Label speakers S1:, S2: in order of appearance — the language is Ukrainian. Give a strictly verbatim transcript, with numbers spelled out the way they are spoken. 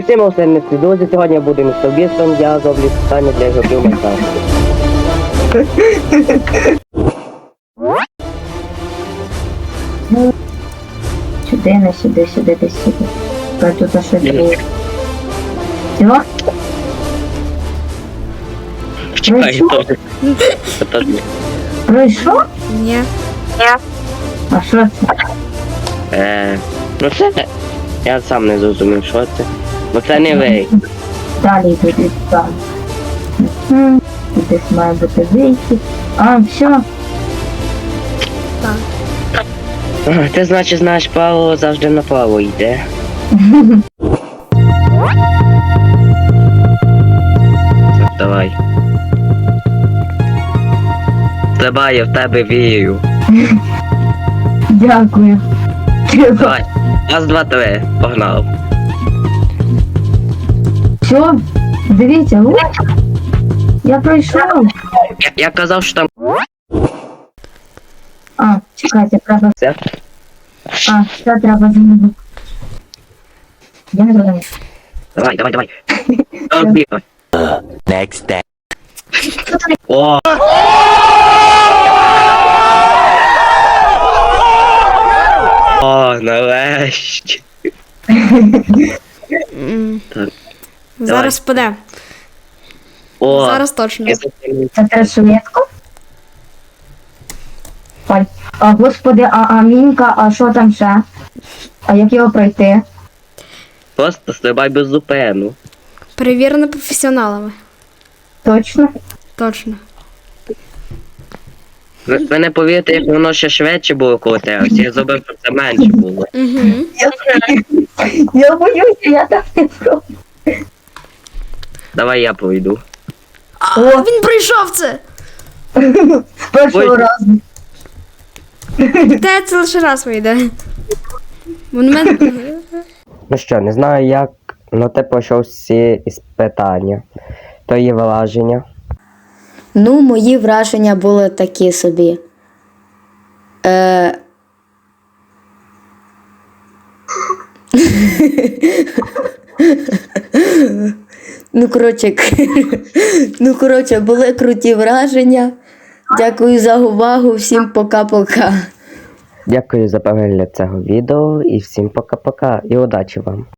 S1: всім останністі друзі, сьогодні я буду містобістом, я зроблю питання для ігроків Майнкрафту.
S2: Сюди, не сюди, сюди, десь сюди. А тут а що було? Все?
S1: Чекай,
S2: Пройшов?
S1: то теж ні.
S2: Пройшов?
S3: Ні.
S2: А що це?
S1: Е, ну це, я сам не зрозумів, що це. Бо це не ви.
S2: Далі туди там. Мгм. Тут десь має бути вийти. А, все.
S3: Так.
S1: А, Ти, значить, знаєш, Павло завжди направо йде. Так, давай. Стрибай, я в тебе вірю.
S2: Дякую.
S1: Давай. Раз, два, три. Погнав.
S2: Все? Дивіться, от. Я пройшов.
S1: Я, я казав, що там
S2: А, чекайте, треба.
S1: все.
S2: А, все треба змінити. Я не зрозумів.
S1: Давай, давай, давай. Давай.
S4: Next day.
S1: О! О, нарешті.
S3: М.
S1: Так.
S3: Зараз паде.
S1: О,
S3: Зараз точно.
S1: я запам'ятав.
S2: Це треба швидко? Ой, а, господи, а, а мінька, а що там ще? А як його пройти?
S1: Просто стрибай без зупину.
S3: Перевірено професіоналами.
S2: Точно?
S3: Точно.
S1: Ви, ви не повірите, як воно ще швидше було коли тебе. Я зробив, щоб це менше було.
S3: Угу.
S2: Я боюся, я так не пробую.
S1: Давай я пройду.
S3: А,
S2: О.
S3: він пройшов це!
S2: З першого
S1: Ой.
S2: разу.
S3: Те це лише раз вийде. Монумент.
S1: Ну що, не знаю як, але ти пройшов всі іспитання. То є враження.
S5: Ну, мої враження були такі собі. Е... ну, коротше, ну, коротше, були круті враження. Дякую за увагу, всім пока-пока.
S1: Дякую за перегляд цього відео і всім пока-пока і удачі вам.